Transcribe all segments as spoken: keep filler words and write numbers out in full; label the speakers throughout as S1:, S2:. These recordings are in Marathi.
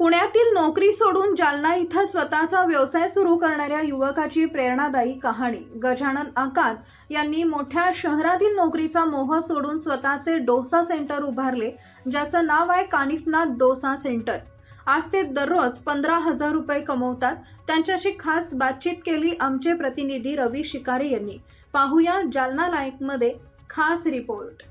S1: पुण्यातील नोकरी सोडून जालना इथं स्वतःचा व्यवसाय सुरू करणाऱ्या युवकाची प्रेरणादायी कहाणी. गजानन आकात यांनी मोठ्या शहरातील नोकरीचा मोह सोडून स्वतःचे डोसा सेंटर उभारले, ज्याचं नाव आहे कानिफनाथ डोसा सेंटर. आज ते दररोज पंधरा हजार रुपये कमवतात. त्यांच्याशी खास बातचीत केली आमचे प्रतिनिधी रवी शिकारे यांनी. पाहूया जालना लाईव्ह मध्ये खास रिपोर्ट.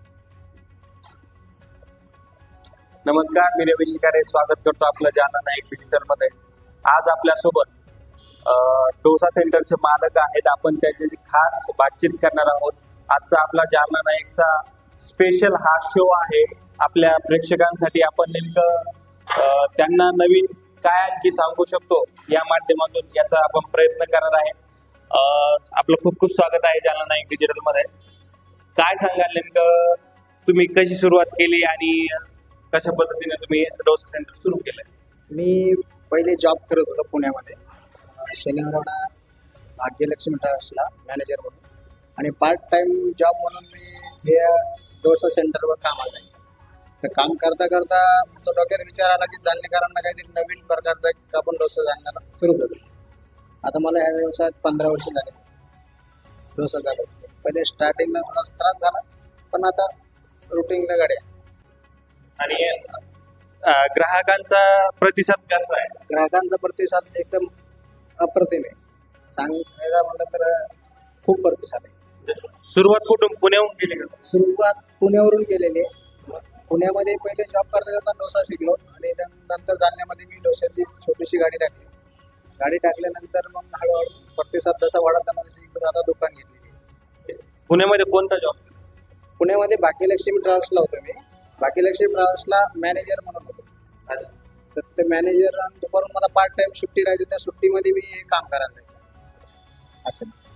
S2: नमस्कार, मी रवी शिकारे स्वागत करतो आपलं जालना नाईक डिजिटल मध्ये. आज आपल्यासोबत डोसा सेंटरचे मालक आहेत. आपण त्यांच्याशी खास बातचीत करणार आहोत. आजचा आपला जालना नाईकचा स्पेशल हा शो आहे आपल्या प्रेक्षकांसाठी. आपण नेमकं त्यांना नवीन काय आणखी सांगू शकतो या माध्यमातून याचा आपण प्रयत्न करणार आहे. आपलं खूप खूप स्वागत आहे जालना नाईक डिजिटल मध्ये. काय सांगाल नेमकं तुम्ही कशी सुरुवात केली आणि कशा पद्धतीने तुम्ही डोसा सेंटर सुरू केलंय?
S3: मी पहिले जॉब करत होतो पुण्यामध्ये, शनिवारवाडा भाग्यलक्ष्मी ट्रॅव्हल्सला मॅनेजर म्हणून, आणि पार्ट टाइम जॉब म्हणून मी हे डोसा सेंटरवर कामाला आहे. तर काम करता करता असं डोक्यात विचार आला की जालनेकरांना काहीतरी नवीन प्रकारचा एक आपण डोसा जालन्याला सुरू करू. आता मला या व्यवसायात पंधरा वर्ष झाले डोसा झाला. पहिले स्टार्टिंगला थोडा त्रास झाला, पण आता रुटीनला गाडी आहे.
S2: आणि ग्राहकांचा प्रतिसाद कसा आहे?
S3: ग्राहकांचा प्रतिसाद एकदम अप्रतिम आहे. सांगायला म्हणलं तर खूप प्रतिसाद आहे.
S2: सुरुवात कुठून, पुण्याहून केली का?
S3: सुरुवात पुण्यावरून केलेली आहे. पुण्यामध्ये पहिले जॉब करता करता डोसा शिकलो, आणि नंतर जालन्यामध्ये मी डोशाची छोटीशी गाडी टाकली. गाडी टाकल्यानंतर मग हळूहळू प्रतिसाद जसा वाढत आला तशी इकडे आता दुकान घेतली.
S2: पुण्यामध्ये कोणता जॉब?
S3: पुण्यामध्ये भाग्यलक्ष्मी ट्रॅव्हल्सला होतो मी. भाग्यलक्ष्मी ट्रॅव्हल्सला मॅनेजर म्हणून होतो. तर ते मॅनेजर, आणि दुपारून मला पार्ट टाइम सुट्टी राहायची. त्या सुट्टीमध्ये मी काम करायला जायचं.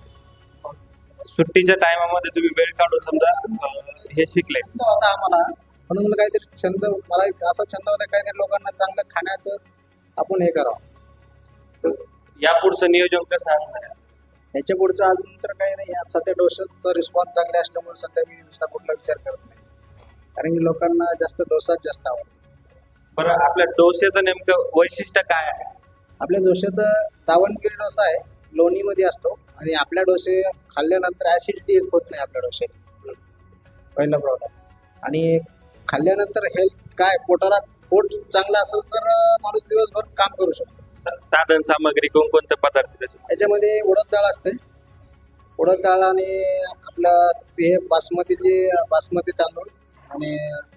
S3: असं
S2: सुट्टीच्या टायमामध्ये तुम्ही वेळ काढून समजा हे शिकले
S3: होता आम्हाला, म्हणून मला काहीतरी छंद, मला एक असा छंद होता काहीतरी लोकांना चांगलं खाण्याचं आपण हे करावं. तर
S2: या पुढचं नियोजन कसं असणार?
S3: ह्याच्या पुढचं अजून तर काही नाही. सध्या डोशाचा रिस्पॉन्स चांगले असल्यामुळे सध्या मी दुसरा कुठला विचार करत नाही, कारण की लोकांना जास्त डोसाच जास्त आवडतो.
S2: बरं, आपल्या डोस्याचं नेमकं वैशिष्ट्य काय आहे?
S3: आपल्या डोश्याचं दावणगिरी डोसा आहे, लोणीमध्ये असतो, आणि आपल्या डोसे खाल्ल्यानंतर ऍसिडिटी होत नाही आपल्या डोश्यात, पहिला प्रॉब्लेम. आणि खाल्ल्यानंतर हेल्थ काय, पोटाला पोट चांगलं असेल तर माणूस दिवसभर काम करू शकतो.
S2: साधन सामग्री कोणकोणते पदार्थ त्याचे?
S3: त्याच्यामध्ये उडद डाळ असते, उडद डाळ आणि आपलं हे बासमतीचे बासमती तांदूळ, आणि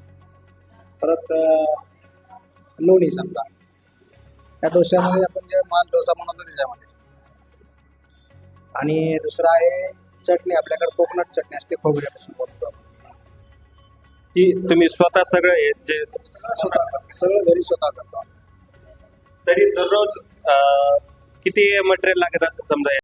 S3: परत लोणी समजा. त्या डोश्यामध्ये आपण जे माल डोसा बनवतो त्याच्यामध्ये. आणि दुसरं आहे चटणी. आपल्याकडे कोकोनट चटणी असते, खोबऱ्यापासून बनवतो आपण.
S2: की तुम्ही स्वतः सगळं हे जे
S3: सगळं स्वतः करतो, सगळं घरी स्वतः करतो.
S2: तरी दररोज किती मटेरियल लागत असं समजा?